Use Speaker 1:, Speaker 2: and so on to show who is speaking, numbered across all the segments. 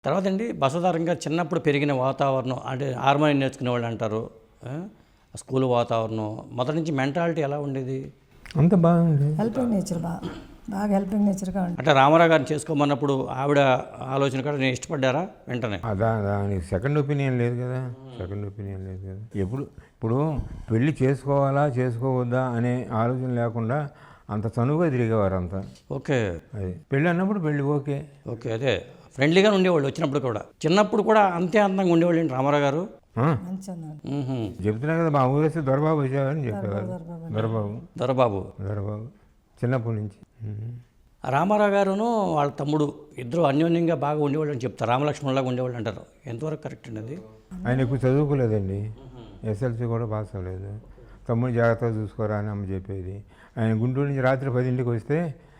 Speaker 1: తర్వాత అండి బసవతారకం గారు చిన్నప్పుడు పెరిగిన వాతావరణం అంటే హార్మోనియం నేర్చుకునే వాళ్ళు అంటారు, స్కూల్ వాతావరణం మొదటి నుంచి మెంటాలిటీ ఎలా ఉండేది?
Speaker 2: అంత బాగుంది.
Speaker 3: హెల్పింగ్ నేచర్ బాగా హెల్పింగ్ నేచర్గా ఉంటుంది.
Speaker 1: అంటే రామారావు గారిని చేసుకోమన్నప్పుడు ఆవిడ ఆలోచన కూడా నేను ఇష్టపడ్డారా వెంటనే?
Speaker 2: దానికి సెకండ్ ఒపీనియన్ లేదు కదా, సెకండ్ ఒపీనియన్ లేదు కదా. ఇప్పుడు పెళ్లి చేసుకోవాలా చేసుకోవద్దా అనే ఆలోచన లేకుండా అంత చనువుగా తిరిగేవారు అంతా.
Speaker 1: ఓకే,
Speaker 2: అది పెళ్ళి అన్నప్పుడు పెళ్ళి ఓకే
Speaker 1: ఓకే, అదే ఫ్రెండ్లీగా ఉండేవాళ్ళు. వచ్చినప్పుడు కూడా చిన్నప్పుడు కూడా అంతే అందంగా ఉండేవాళ్ళు ఏంటి రామారావు గారు?
Speaker 2: చెప్తున్నా కదా, మా ఊరు వస్తే దొరబాబు వచ్చేవారని చెప్పేవారు.
Speaker 1: దొరబాబు
Speaker 2: చిన్నప్పటి నుంచి.
Speaker 1: రామారావు గారును వాళ్ళ తమ్ముడు ఇద్దరు అన్యోన్యంగా బాగా ఉండేవాళ్ళు అని చెప్తారు, రామలక్ష్మణులాగా ఉండేవాళ్ళు అంటారు. ఎంతవరకు కరెక్ట్ అండి అది?
Speaker 2: ఆయన ఎక్కువ చదువుకోలేదండి, ఎస్ఎల్సీ కూడా పాస్ అవ్వలేదు. తమ్ముడు జాగ్రత్తగా చూసుకోరా అని అమ్మ చెప్పేది. ఆయన గుంటూరు నుంచి రాత్రి 10ంటికి వస్తే,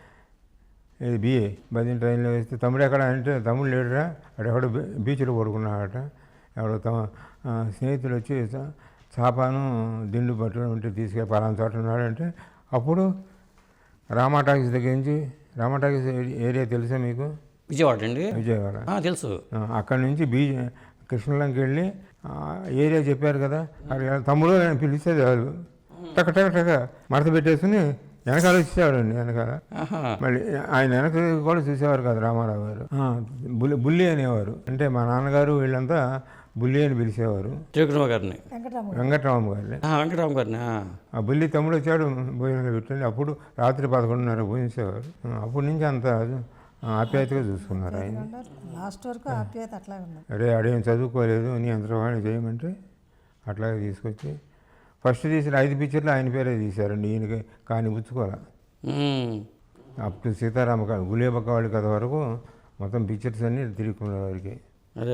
Speaker 2: ఇది బిఏ 10 ట్రైన్లో వేస్తే తమ్ముడు ఎక్కడ అంటే, తమ్ముడు లేడురా అక్కడెక్కడో బీచ్లో పడుకున్నాడట. ఎవడో స్నేహితులు వచ్చి చాపాను దిండు పట్టుకుని ఉంటే తీసుకెళ్ళి పలానా చోట ఉన్నాడంటే, అప్పుడు రామా టాకీస్ దగ్గర నుంచి, రామా టాకీస్ ఏరియా తెలుసా మీకు?
Speaker 1: విజయవాడ అండి.
Speaker 2: విజయవాడ
Speaker 1: తెలుసు.
Speaker 2: అక్కడి నుంచి కృష్ణలంకి వెళ్ళి ఏరియా చెప్పారు కదా, అక్కడ తమ్ముడు నేను పిలిచేది వాళ్ళు టక టక టక మడత పెట్టేసుకుని వెనకాల వచ్చేవాడండి. వెనకాల మళ్ళీ ఆయన వెనక కూడా చూసేవారు కదా రామారావు గారు. బుల్లి అనేవారు, అంటే మా నాన్నగారు వీళ్ళంతా బుల్లి అని పిలిచేవారు.
Speaker 1: గారిని
Speaker 2: వెంకటరామ గారిని. ఆ బుల్లి తమ్ముడు వచ్చాడు భోజనంలో పెట్టండి. అప్పుడు రాత్రి 11:30 భోజించేవారు. అప్పటి నుంచి అంత ఆప్యాయతగా చూసుకున్నారు ఆయన.
Speaker 3: లాస్ట్ వరకు ఆప్యాయత అట్లాగే ఉంది.
Speaker 2: అరే అడేం చదువుకోలేదు నీ అంతవాణి చేయమంటే అట్లాగే తీసుకొచ్చి ఫస్ట్ తీసిన 5 పిక్చర్లు ఆయన పేరే తీశారండి. ఈయనకి కానీ పుచ్చుకోవాలి. అప్పుడు సీతారామ గులేబక్క వాళ్ళ కథ వరకు మొత్తం పిక్చర్స్ అన్నీ తిరుగుకునే వారికి.
Speaker 1: అదే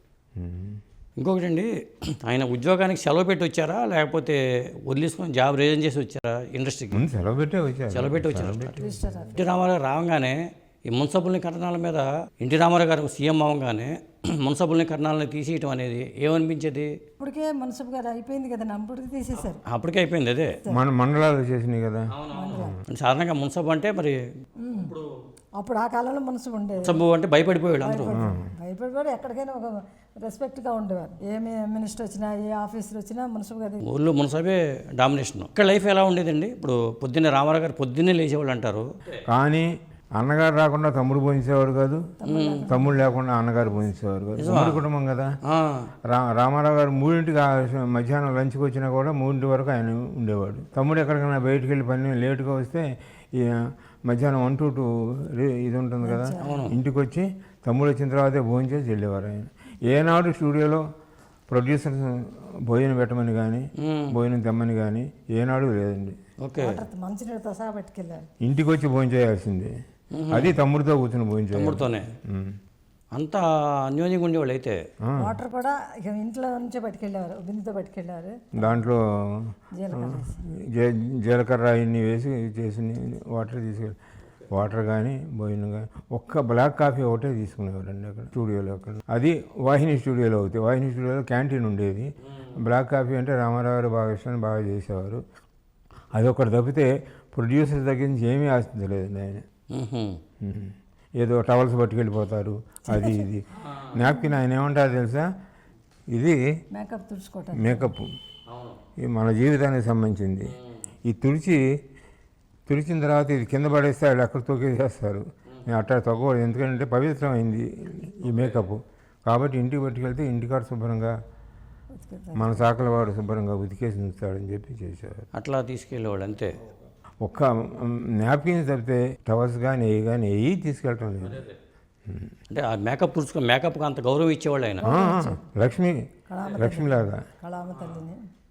Speaker 1: ఇంకొకటి అండి, ఆయన ఉద్యోగానికి సెలవు పెట్టి వచ్చారా లేకపోతే వదిలేసుకొని జాబ్ రిజైన్ చేసి వచ్చారా ఇండస్ట్రీకి?
Speaker 2: సెలవు పెట్టే వచ్చారు.
Speaker 1: ఎన్టీ రామారావు రావంగానే ఈ మున్సబుల్ని కరణాల మీద ఎన్టీ రామారావు గారు సీఎం అవ్వగానే మున్సబుల్ని కరణాలను తీసేయటం అనేది ఏమనిపించేది?
Speaker 3: ఇప్పటికే మున్సబ్ గారు అయిపోయింది కదా, అప్పటికి తీసేశారు.
Speaker 1: అప్పటికే అయిపోయింది. అదే
Speaker 2: మన మండలాలు చేసినాయి కదా.
Speaker 1: సాధారణంగా మున్సబ్ అంటే మరి
Speaker 3: అప్పుడు ఆ కాలంలో మున్సబ్ ఉండేది.
Speaker 1: మున్సబ్ అంటే భయపడిపోయాడు అందరూ.
Speaker 3: భయపడిపోయాడు, ఎక్కడికైనా ఒక రెస్పెక్ట్గా ఉండేవారు. ఏ మినిస్టర్ వచ్చినా ఏ ఆఫీసర్ వచ్చినా మున్సబ్ గారు
Speaker 1: ఊళ్ళో మున్సబే డామినేషన్. ఇక్కడ లైఫ్ ఎలా ఉండేదండి? ఇప్పుడు పొద్దున్నే రామారావు గారు పొద్దున్నే లేచేవాళ్ళు అంటారు,
Speaker 2: కానీ అన్నగారు రాకుండా తమ్ముడు పోయించేవారు కాదు, తమ్ముడు లేకుండా అన్నగారు పోయించేవారు కాదు. తమ్ముడు కుటుంబం కదా. రామారావు గారు 3ంటికి మధ్యాహ్నం లంచ్కి వచ్చినా కూడా 3 వరకు ఆయన ఉండేవాడు. తమ్ముడు ఎక్కడికైనా బయటికి వెళ్ళి పని లేటుగా వస్తే మధ్యాహ్నం 1 to 2 ఇది ఉంటుంది కదా, ఇంటికి వచ్చి తమ్ముడు వచ్చిన తర్వాతే భోజనం చేసి వెళ్ళేవారు ఆయన. ఏనాడు స్టూడియోలో ప్రొడ్యూసర్ భోజనం పెట్టమని కానీ భోజనం తెమ్మని కానీ ఏనాడు లేదండి.
Speaker 3: మంచినీళ్ళతో సహా పట్టుకెళ్ళారు.
Speaker 2: ఇంటికి వచ్చి భోజనం చేయాల్సిందే. అది తమ్ముడితో కూర్చొని భోజనం చేయాలి.
Speaker 1: తమ్ముడితోనే అంతా అన్యోన్యంగా ఉండేవాళ్ళు. అయితే
Speaker 3: వాటర్ కూడా ఇక ఇంట్లో నుంచే పట్టుకెళ్ళేవారు, బిందుతో పట్టుకెళ్ళేవారు.
Speaker 2: దాంట్లో జీలకర్ర ఇన్ని వేసి చేసి వాటర్ తీసుకెళ్ళి వాటర్ కానీ భోజనం కానీ ఒక్క బ్లాక్ కాఫీ ఒకటే తీసుకునేవారండి అక్కడ స్టూడియోలో. అక్కడ అది వాహిని స్టూడియోలో అవుతాయి. వాహిని స్టూడియోలో క్యాంటీన్ ఉండేది. బ్లాక్ కాఫీ అంటే రామారావు గారు బాగా ఇష్టాన్ని బాగా చేసేవారు. అది ఒకటి తప్పితే ప్రొడ్యూసర్ దగ్గర నుంచి ఏమీ ఆశించలేదండి ఆయన. ఏదో టవల్స్ పట్టుకెళ్ళిపోతారు, అది ఇది. నాప్కిన్ ఆయన ఏమంటారు తెలుసా, ఇది
Speaker 3: మేకప్ తుడుచుకోవటం,
Speaker 2: మేకప్ ఇది మన జీవితానికి సంబంధించింది. ఈ తుడిచిన తర్వాత ఇది కింద పడేస్తే వాళ్ళు ఎక్కడ తొక్కేసేస్తారు. నేను అట్లా తగ్గకూడదు, ఎందుకంటే పవిత్రమైంది ఈ మేకప్. కాబట్టి ఇంటికి పట్టుకెళ్తే ఇంటికాడ శుభ్రంగా మన సాకల వాడు శుభ్రంగా ఉతికేసి ఉంచుతాడని చెప్పి చేసేవారు.
Speaker 1: అట్లా తీసుకెళ్ళేవాడు అంతే.
Speaker 2: ఒక్క నాప్కిన్స్ తప్పితే టవర్స్ కానీ ఏ తీసుకెళ్ళటం లేదు.
Speaker 1: అంటే ఆ మేకప్కి అంత గౌరవం ఇచ్చేవాళ్ళు ఆయన.
Speaker 2: లక్ష్మిలాగా
Speaker 3: కళామ తల్లిని